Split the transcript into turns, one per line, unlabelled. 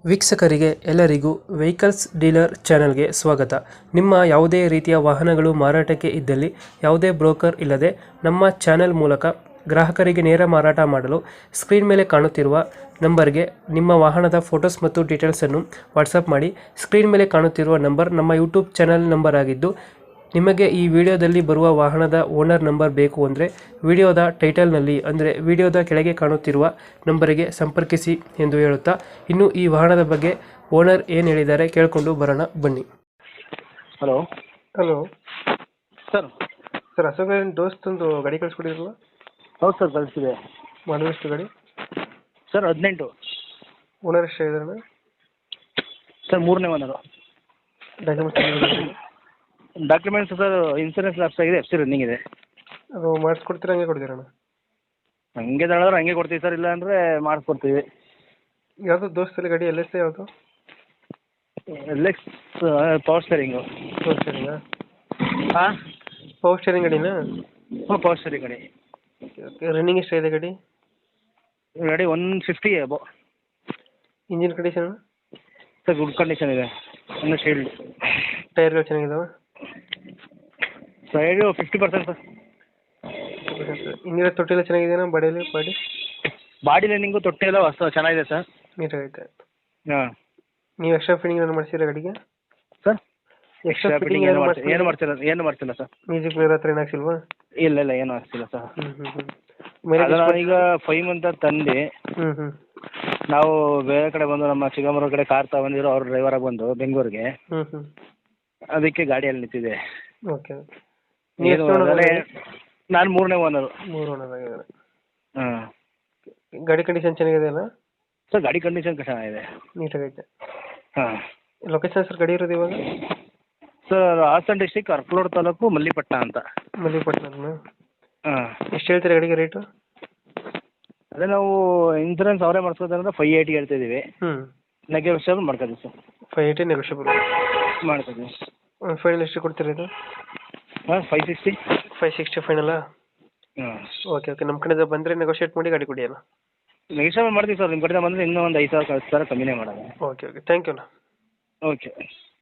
ವೀಕ್ಷಕರಿಗೆ ಎಲ್ಲರಿಗೂ vehicles dealer ಚಾನೆಲ್ಗೆ ಸ್ವಾಗತ. ನಿಮ್ಮ ಯಾವುದೇ ರೀತಿಯ ವಾಹನಗಳು ಮಾರಾಟಕ್ಕೆ ಇದ್ದಲ್ಲಿ ಯಾವುದೇ ಬ್ರೋಕರ್ ಇಲ್ಲದೆ ನಮ್ಮ ಚಾನೆಲ್ ಮೂಲಕ ಗ್ರಾಹಕರಿಗೆ ನೇರ ಮಾರಾಟ ಮಾಡಲು ಸ್ಕ್ರೀನ್ ಮೇಲೆ ಕಾಣುತ್ತಿರುವ ನಂಬರ್ಗೆ ನಿಮ್ಮ ವಾಹನದ ಫೋಟೋಸ್ ಮತ್ತು ಡೀಟೇಲ್ಸನ್ನು ವಾಟ್ಸಪ್ ಮಾಡಿ. ಸ್ಕ್ರೀನ್ ಮೇಲೆ ಕಾಣುತ್ತಿರುವ ನಂಬರ್ ನಮ್ಮ ಯೂಟ್ಯೂಬ್ ಚಾನೆಲ್ ನಂಬರ್ ಆಗಿದ್ದು, ನಿಮಗೆ ಈ ವಿಡಿಯೋದಲ್ಲಿ ಬರುವ ವಾಹನದ ಓನರ್ ನಂಬರ್ ಬೇಕು ಅಂದರೆ ವಿಡಿಯೋದ ಟೈಟಲ್ನಲ್ಲಿ ಅಂದರೆ ವಿಡಿಯೋದ ಕೆಳಗೆ ಕಾಣುತ್ತಿರುವ ನಂಬರಿಗೆ ಸಂಪರ್ಕಿಸಿ ಎಂದು ಹೇಳುತ್ತಾ, ಇನ್ನು ಈ ವಾಹನದ ಬಗ್ಗೆ ಓನರ್ ಏನು ಹೇಳಿದ್ದಾರೆ ಕೇಳಿಕೊಂಡು ಬರೋಣ ಬನ್ನಿ.
Hello
hello
sir.
Sir, Ashok ದೋಸ್ತ್ ಒಂದು ಗಾಡಿ ಕಳಿಸ್ಕೊಡಿರಲ್ಲ?
ಹೌದು ಸರ್, ಕಳಿಸಿದೆ.
ಮಾಡಲ್ ಎಷ್ಟು ಗಾಡಿ?
ಸರ್ 18.
ಓನರ್ ಎಷ್ಟು ಇದ್ದಾರೆ
ಸರ್ 3ನೇ owner. Documents sir insurance lapse ಆಗಿದೆ, FC ರನ್ನಿಂಗ್ ಇದೆ.
ಅದು ಮಾಡಿಸ್ಕೊಡ್ತೀರಾ ಹಂಗೆ ಕೊಡ್ತೀರಣ್ಣ?
ಹಂಗೆ ತಗೊಳ್ಳೋದ್ರೆ ಹಂಗೆ ಕೊಡ್ತೀವಿ ಸರ್, ಇಲ್ಲ ಅಂದರೆ ಮಾಡಿಸ್ಕೊಡ್ತೀವಿ.
ಯಾವುದು ದೋಸ್ತಲ್ಲಿ ಗಾಡಿ? LS ಯಾವುದು?
LX power steering.
ಪವರ್ ಸ್ಟೇರಿಂಗಾ?
ಹಾಂ,
ಪವರ್ ಸ್ಟೇರಿಂಗ್ ಗಾಡಿನಾ?
ಹಾಂ ಪವರ್ ಸ್ಟೇರಿಂಗ್ ಗಾಡಿ.
ಓಕೆ. ರನ್ನಿಂಗ್ ಎಷ್ಟಾಗಿದೆ ಗಾಡಿ?
ಗಾಡಿ 150 above.
Engine condition?
Sir good condition ಇದೆ, ಇನ್ನು ಶೀಲ್ಡ್.
ಟೈರ್ಗಳು ಚೆನ್ನಾಗಿದಾವೆ?
Side 50% sir.
ಇನ್ನಿರೋ ತೊಟ್ಟಿಲ್ಲ ಚೆನ್ನಾಗಿದೆಯಾ ಬಾಡಿಯಲ್ಲಿ?
ಬಾಡಿ ಲೈನಿಂಗು ತೊಟ್ಟಿ ಎಲ್ಲ ಹೊಸ ಚೆನ್ನಾಗಿದೆ ಸರ್.
ನೀಟಾಗೈತೆ.
ಹಾಂ.
ನೀವು ಎಕ್ಸ್ಟ್ರಾ ಫಿಟ್ಟಿಂಗ್ ಏನು ಮಾಡಿಸಿರ ಗಾಡಿಗೆ?
ಸರ್
ಎಕ್ಸ್ಟ್ರಾ ಫಿಟ್ಟಿಂಗ್
ಏನು ಮಾಡ್ತಿಲ್ಲ ಸರ್.
ಮ್ಯೂಸಿಕ್ ಪ್ಲೇಯರ್ ಹತ್ರ ಏನು ಹಾಕ್ಸಿಲ್ವಾ?
ಇಲ್ಲ ಏನು ಆಗ್ತಿಲ್ಲ ಸರ್.
ಹ್ಞೂ
ಈಗ 5 ಮಂತ್ ತಂದು
ಹ್ಞೂ
ನಾವು ಬೇರೆ ಕಡೆ ಬಂದು ನಮ್ಮ ಚಿಕ್ಕಮಗಳೂರು ಕಡೆ ಕಾರ್ ತಗೊಂಡಿರೋ ಅವ್ರ ಡ್ರೈವರಾಗಿ ಬಂದು ಬೆಂಗಳೂರಿಗೆ,
ಹ್ಞೂ
ಅದಕ್ಕೆ ಗಾಡಿಯಲ್ಲಿ ನಿಂತಿದೆ.
ಓಕೆ.
ನಾನು 3ನೇ ಓನರು.
3 ಓನರ್ ಆಗಿದ್ದಾರೆ.
ಹಾಂ.
ಗಾಡಿ ಕಂಡೀಷನ್ ಚೆನ್ನಾಗಿದೆ ಅಲ್ಲ?
ಸರ್ ಗಾಡಿ ಕಂಡೀಷನ್ ಚೆನ್ನಾಗಿದೆ,
ನೀಟಾಗೈತೆ.
ಹಾಂ.
ಲೊಕೇಶನ್ ಸರ್ ಗಾಡಿ ಇರೋದು ಇವಾಗ?
ಸರ್ ಹಾಸನ ಡಿಸ್ಟಿಕ್ ಅರಕಲೂರು ತಾಲೂಕು ಮಲ್ಲಿಪಟ್ಟಣ ಅಂತ.
ಮಲ್ಲಿಪಟ್ಟಣ.
ಹಾಂ.
ಎಷ್ಟು ಹೇಳ್ತೀರಾ ಗಾಡಿಗೆ ರೇಟು?
ಅದೇ ನಾವು ಇನ್ಸೂರೆನ್ಸ್ ಅವರೇ ಮಾಡಿಸ್ಕೋತಾರೆ 580 ಹೇಳ್ತಿದ್ದೀವಿ.
ಹ್ಞೂ.
ನೆಗೋಷಿಯಬಲ್ ಮಾಡ್ಕೊತೀವಿ ಸರ್.
580 ನೆಗೋಷಿಯಬಲ್
ಮಾಡ್ಕೊತೀವಿ.
ಫೈನಲ್ ಎಷ್ಟು ಕೊಡ್ತೀರಾ ಇದು?
ಹಾಂ 560.
560 ಫೈನಲ್ಲಾ?
ಹಾಂ.
ಓಕೆ. ನಮ್ಮ ಕಡೆಯಿಂದ ಬಂದರೆ ನೆಗೋಷಿಯೇಟ್ ಮಾಡಿ ಗಾಡಿ ಕೊಡಿ ಅಲ್ಲ?
ನೆಗೋಷಿಯಬಲ್ ಮಾಡ್ತೀವಿ ಸರ್, ನಿಮ್ಮ ಕಡೆಯಿಂದ ಬಂದರೆ ಇನ್ನೂ ಒಂದು 5,000 10,000 ಕಮ್ಮಿನೇ ಮಾಡೋದು.
ಓಕೆ. ಥ್ಯಾಂಕ್ ಯು ಅಣ್ಣ.
ಓಕೆ.